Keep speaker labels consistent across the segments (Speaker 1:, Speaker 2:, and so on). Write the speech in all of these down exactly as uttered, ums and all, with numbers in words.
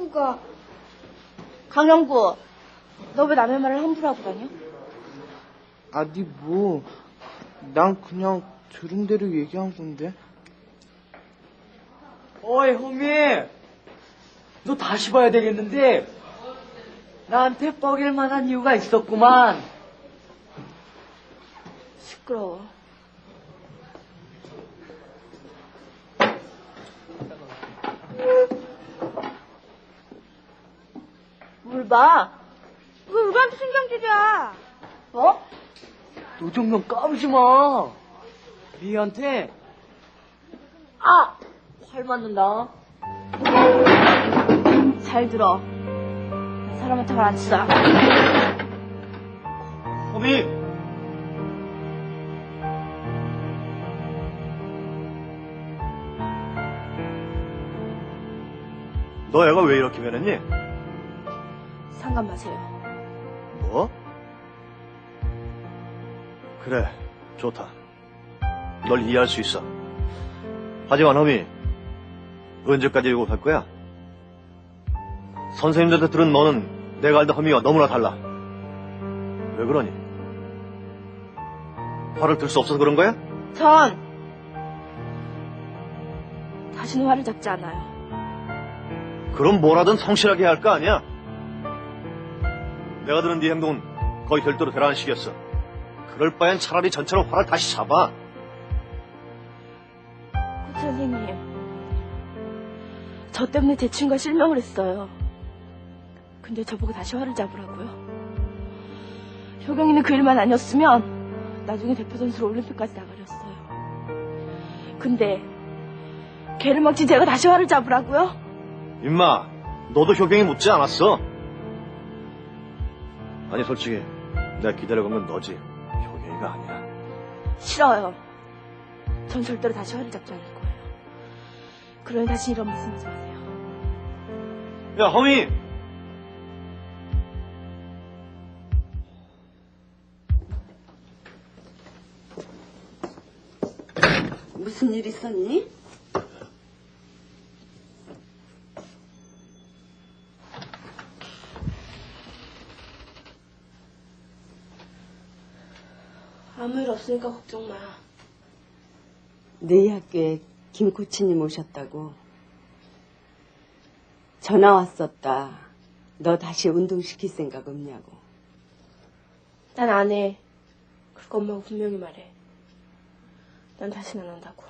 Speaker 1: 형부가. 강형부, 너 왜 남의 말을 함부로 하고 다녀?
Speaker 2: 아니 뭐, 난 그냥 들은 대로 얘기한 건데.
Speaker 3: 어이 호미, 너 다시 봐야 되겠는데 나한테 뻐길 만한 이유가 있었구만.
Speaker 1: 시끄러워. 뭘 봐? 왜 우리한테 신경질이야? 뭐?
Speaker 3: 너 정말 까부지 마. 미희한테 아! 활 맞는다.
Speaker 1: 잘 들어. 나 사람한테 말 안 치잖아.
Speaker 4: 호미! 너 애가 왜 이렇게 변했니?
Speaker 1: 상관 마세요.
Speaker 4: 뭐? 그래, 좋다. 널 이해할 수 있어. 하지만 호미, 언제까지 이러고 갈 거야? 선생님들한테 들은 너는 내가 알던 허미와 너무나 달라. 왜 그러니? 화를 들 수 없어서 그런 거야?
Speaker 1: 전 다시는 화를 잡지 않아요.
Speaker 4: 그럼 뭐라든 성실하게 해야 할 거 아니야? 내가 들은 네 행동은 거의 별도로 대단한 식이었어. 그럴 바엔 차라리 전처럼 화를 다시 잡아.
Speaker 1: 코치 선생님, 저 때문에 제 친구가 실명을 했어요. 근데 저보고 다시 화를 잡으라고요. 효경이는 그 일만 아니었으면 나중에 대표 선수로 올림픽까지 나가렸어요. 근데 걔를 막지 제가 다시 화를 잡으라고요?
Speaker 4: 임마, 너도 효경이 묻지 않았어. 아니 솔직히 내가 기다려본 건 너지 효경이가 아니야.
Speaker 1: 싫어요. 전 절대로 다시 화를 잡지 않을 거예요. 그러니 다시 이런 말씀하지 마세요.
Speaker 4: 야 허미!
Speaker 5: 무슨 일 있었니?
Speaker 1: 아무 일 없으니까 걱정 마.
Speaker 5: 너희 학교에 김 코치님 오셨다고. 전화 왔었다. 너 다시 운동시킬 생각 없냐고.
Speaker 1: 난 안 해. 그리고 엄마가 분명히 말해. 난 다시는 안 한다고.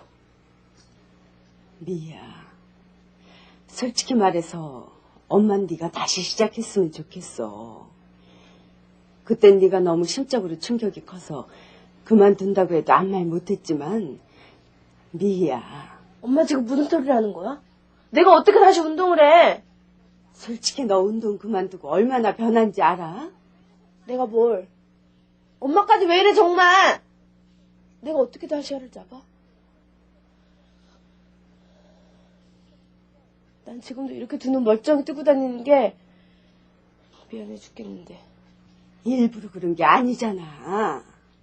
Speaker 5: 미야, 솔직히 말해서 엄만 네가 다시 시작했으면 좋겠어. 그땐 네가 너무 심적으로 충격이 커서 그만둔다고 해도 아무 말 못했지만 미희야.
Speaker 1: 엄마 지금 무슨 소리를 하는 거야? 내가 어떻게 다시 운동을 해?
Speaker 5: 솔직히 너 운동 그만두고 얼마나 변한지 알아?
Speaker 1: 내가 뭘? 엄마까지 왜 이래 정말? 내가 어떻게 다시 화를 잡아? 난 지금도 이렇게 두 눈 멀쩡히 뜨고 다니는 게 미안해 죽겠는데.
Speaker 5: 일부러 그런 게 아니잖아.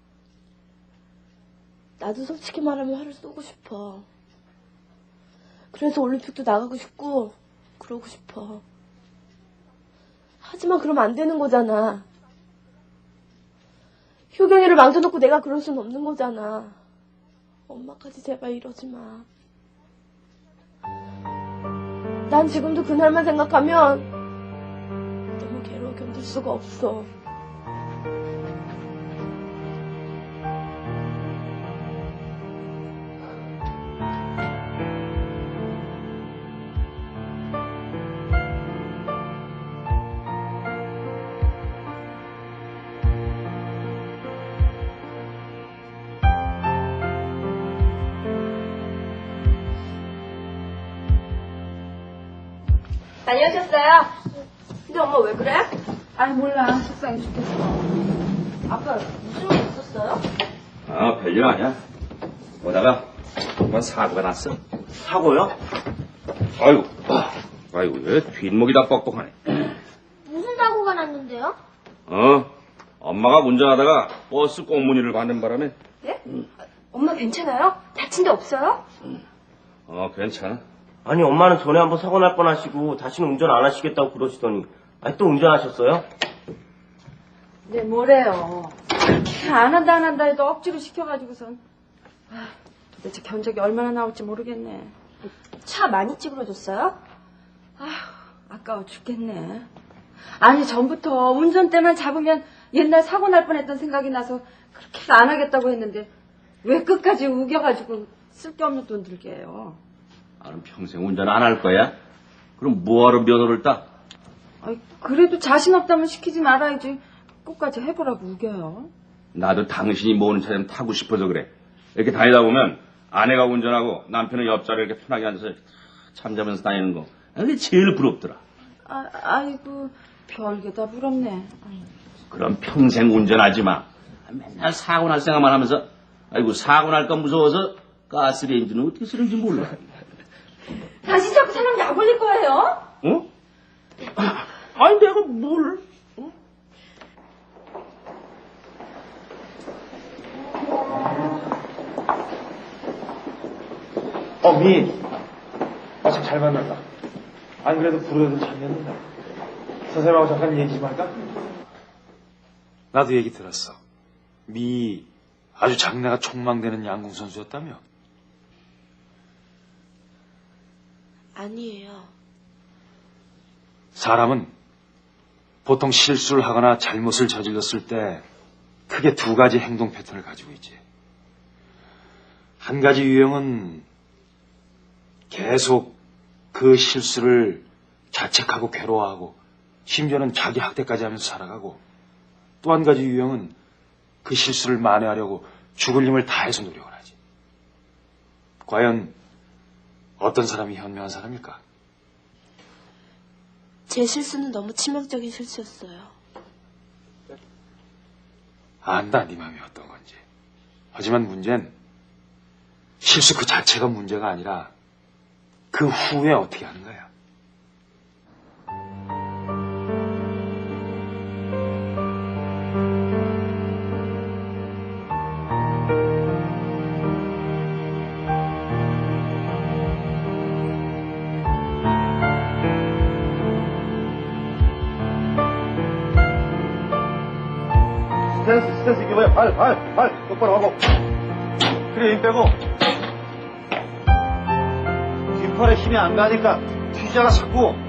Speaker 1: 나도 솔직히 말하면 화를 쏘고 싶어. 그래서 올림픽도 나가고 싶고 그러고 싶어. 하지만 그러면 안 되는 거잖아. 효경이를 망쳐놓고 내가 그럴 순 없는 거잖아. 엄마까지 제발 이러지 마. 난 지금도 그날만 생각하면 너무 괴로워 견딜 수가 없어. 다녀오셨어요? 근데 엄마 왜 그래?
Speaker 6: 아니 몰라. 속상해 죽겠어.
Speaker 1: 아빠 무슨 일 있었어요?
Speaker 7: 아, 별일 아니야. 오다가 한번 사고가 났어.
Speaker 4: 사고요?
Speaker 7: 아이고, 아, 아이고, 왜 뒷목이 다 뻑뻑하네.
Speaker 1: 무슨 사고가 났는데요?
Speaker 7: 어, 엄마가 운전하다가 버스 꽁무니를 받는 바람에.
Speaker 1: 네? 엄마 괜찮아요? 다친 데 없어요?
Speaker 7: 어, 괜찮아.
Speaker 8: 아니 엄마는 전에 한번 사고 날 뻔하시고 다시는 운전 안 하시겠다고 그러시더니 아니 또 운전하셨어요?
Speaker 6: 네, 뭐래요. 그렇게 안 한다 안 한다 해도 억지로 시켜가지고선. 아, 도대체 견적이 얼마나 나올지 모르겠네.
Speaker 1: 차 많이 찌그러졌어요?
Speaker 6: 아휴, 아까워 죽겠네. 아니, 전부터 운전대만 잡으면 옛날 사고 날 뻔했던 생각이 나서 그렇게 해서 안 하겠다고 했는데 왜 끝까지 우겨가지고 쓸데없는 돈 들게 해요.
Speaker 7: 나는 평생 운전 안 할 거야? 그럼 뭐하러 면허를 따?
Speaker 6: 아이, 그래도 자신 없다면 시키지 말아야지. 끝까지 해보라고 우겨요.
Speaker 7: 나도 당신이 모는 차좀 타고 싶어서 그래. 이렇게 다니다 보면 아내가 운전하고 남편은 옆자리에 이렇게 편하게 앉아서 잠자면서 다니는 거. 그게 제일 부럽더라.
Speaker 6: 아, 아이고, 별게 다 부럽네. 아이.
Speaker 7: 그럼 평생 운전하지 마. 맨날 사고 날 생각만 하면서 아이고 사고 날까 무서워서 가스레인지는 어떻게 쓰는지 몰라.
Speaker 6: 다시 자꾸 사람 약 올릴 거예요?
Speaker 7: 어? 아니 내가 뭘? 어?
Speaker 9: 어, 미. 마침 잘 만났다. 안 그래도 부르던 참이었는데. 선생님하고 잠깐 얘기 좀 할까? 나도 얘기 들었어. 미 아주 장래가 촉망되는 양궁 선수였다며?
Speaker 1: 아니에요.
Speaker 9: 사람은 보통 실수를 하거나 잘못을 저질렀을 때 크게 두 가지 행동 패턴을 가지고 있지. 한 가지 유형은 계속 그 실수를 자책하고 괴로워하고 심지어는 자기 학대까지 하면서 살아가고, 또 한 가지 유형은 그 실수를 만회하려고 죽을 힘을 다해서 노력을 하지. 과연 어떤 사람이 현명한 사람일까?
Speaker 1: 제 실수는 너무 치명적인 실수였어요.
Speaker 9: 안다, 네 마음이 어떤 건지. 하지만 문제는 실수 그 자체가 문제가 아니라 그 후에 어떻게 하는 거야.
Speaker 4: 스탠스, 스탠스 이게 뭐야? 발, 발, 발 똑바로 하고. 그래, 힘 빼고. 뒷팔에 힘이 안 가니까 튀잖아, 자꾸.